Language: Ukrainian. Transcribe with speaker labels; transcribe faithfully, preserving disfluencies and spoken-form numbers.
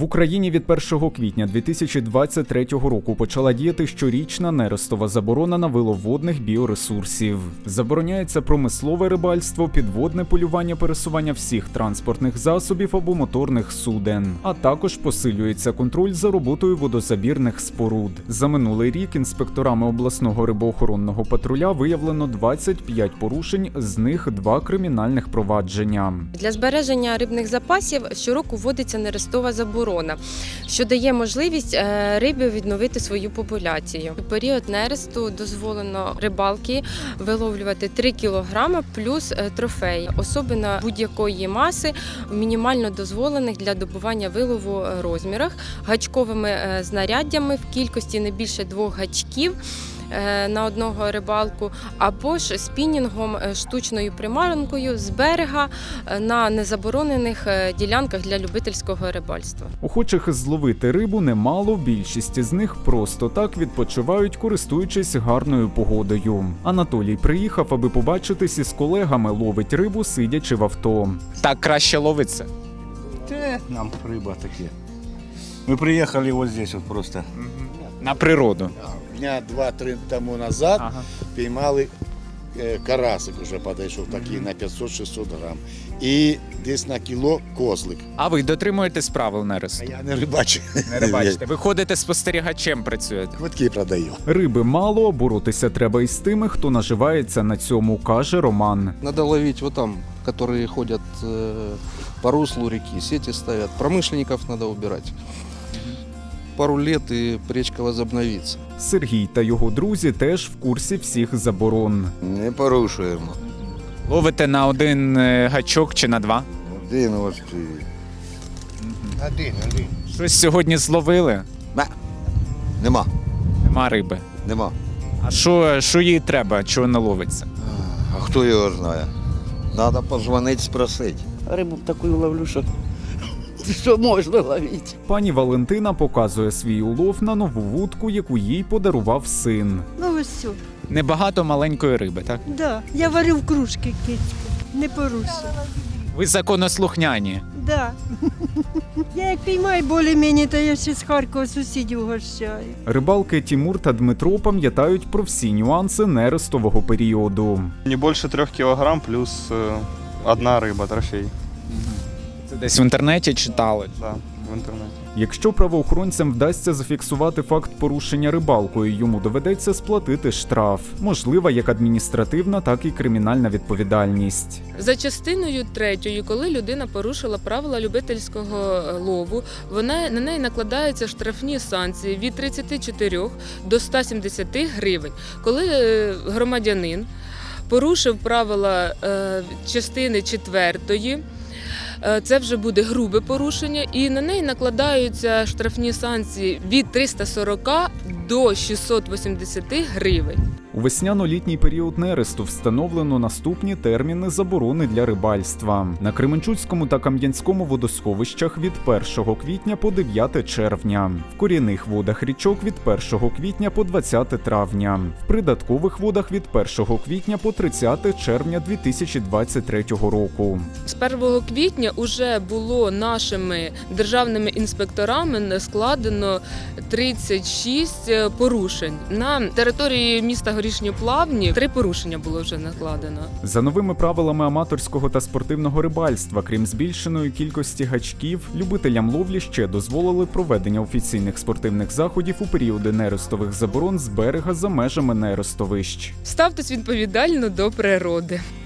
Speaker 1: В Україні від першого квітня дві тисячі двадцять третього року почала діяти щорічна нерестова заборона на вилов водних біоресурсів. Забороняється промислове рибальство, підводне полювання, пересування всіх транспортних засобів або моторних суден, а також посилюється контроль за роботою водозабірних споруд. За минулий рік інспекторами обласного рибоохоронного патруля виявлено двадцять п'ять порушень, з них два кримінальних провадження.
Speaker 2: Для збереження рибних запасів щороку вводиться нерестова заборона, що дає можливість рибі відновити свою популяцію. У період нересту дозволено рибалки виловлювати три кілограми плюс трофеї, особина будь-якої маси в мінімально дозволених для добування вилову розмірах, гачковими знаряддями в кількості не більше двох гачків на одного рибалку, або ж спінінгом, штучною приманкою з берега на незаборонених ділянках для любительського рибальства.
Speaker 1: Охочих зловити рибу немало, більшість з них просто так відпочивають, користуючись гарною погодою. Анатолій приїхав, аби побачитись із колегами, ловить рибу, сидячи в авто.
Speaker 3: Так краще ловиться?
Speaker 4: Те, нам риба таке. Ми приїхали ось здесь от просто.
Speaker 3: На природу?
Speaker 5: Дня два-три тому назад
Speaker 3: Ага.
Speaker 5: піймали е, карасик, уже підійшов такий на п'ятсот-шістсот грам. І десь на кіло козлик.
Speaker 3: А ви дотримуєтесь правил нересту?
Speaker 5: А я не рибачу.
Speaker 3: Не рибачите. Ви ходите спостерігачем, працюєте?
Speaker 5: Квитки продаю.
Speaker 1: Риби мало, а боротися треба із тими, хто наживається на цьому, каже Роман.
Speaker 6: Надо ловить вот там, которые ходят э, по руслу реки, сети ставят. Промышленников надо убирать. Пару лет и речка возобновится.
Speaker 1: Сергій та його друзі теж в курсі всіх заборон.
Speaker 7: Не порушуємо.
Speaker 3: Ловите на один е, гачок чи на два?
Speaker 7: Один ось.
Speaker 5: Один, один.
Speaker 3: Щось сьогодні зловили?
Speaker 7: Бе. Нема.
Speaker 3: Нема риби.
Speaker 7: Нема.
Speaker 3: А що, що їй треба, чого не ловиться?
Speaker 7: А хто його знає? Треба подзвонити, спросити.
Speaker 8: Рибу таку ловлю, що, що можна ловити.
Speaker 1: Пані Валентина показує свій улов на нову вудку, яку їй подарував син.
Speaker 9: Ну ось все.
Speaker 3: Небагато маленької риби, так?
Speaker 9: Да. Я варю в кружки кицьку. Не поруся.
Speaker 3: Ви законослухняні.
Speaker 9: Да. Я як піймаю більш-менш, то я ще з Харкова сусідів гощаю.
Speaker 1: Рибалки Тімур та Дмитро пам'ятають про всі нюанси нерестового періоду.
Speaker 10: Не більше трьох кілограм плюс е, одна риба, трофей.
Speaker 3: Це десь в інтернеті читали?
Speaker 10: Да, в інтернеті.
Speaker 1: Якщо правоохоронцям вдасться зафіксувати факт порушення рибалкою, йому доведеться сплатити штраф. Можлива як адміністративна, так і кримінальна відповідальність.
Speaker 11: За частиною третьою, коли людина порушила правила любительського лову, вона, на неї накладаються штрафні санкції від тридцяти чотирьох до ста сімдесяти гривень. Коли е, громадянин порушив правила е, частини четвертої, це вже буде грубе порушення, і на неї накладаються штрафні санкції від триста сорока до шістсот вісімдесяти гривень.
Speaker 1: У весняно-літній період нересту встановлено наступні терміни заборони для рибальства. На Кременчуцькому та Кам'янському водосховищах від першого квітня по дев'яте червня. В корінних водах річок від першого квітня по двадцяте травня. В придаткових водах від першого квітня по тридцяте червня дві тисячі двадцять третього року.
Speaker 11: З першого квітня вже було нашими державними інспекторами складено тридцять шість порушень. На території міста Горішні Плавні три порушення було вже накладено.
Speaker 1: За новими правилами аматорського та спортивного рибальства, крім збільшеної кількості гачків, любителям ловлі ще дозволили проведення офіційних спортивних заходів у періоди нерестових заборон з берега за межами нерестовищ.
Speaker 11: Ставтесь відповідально до природи.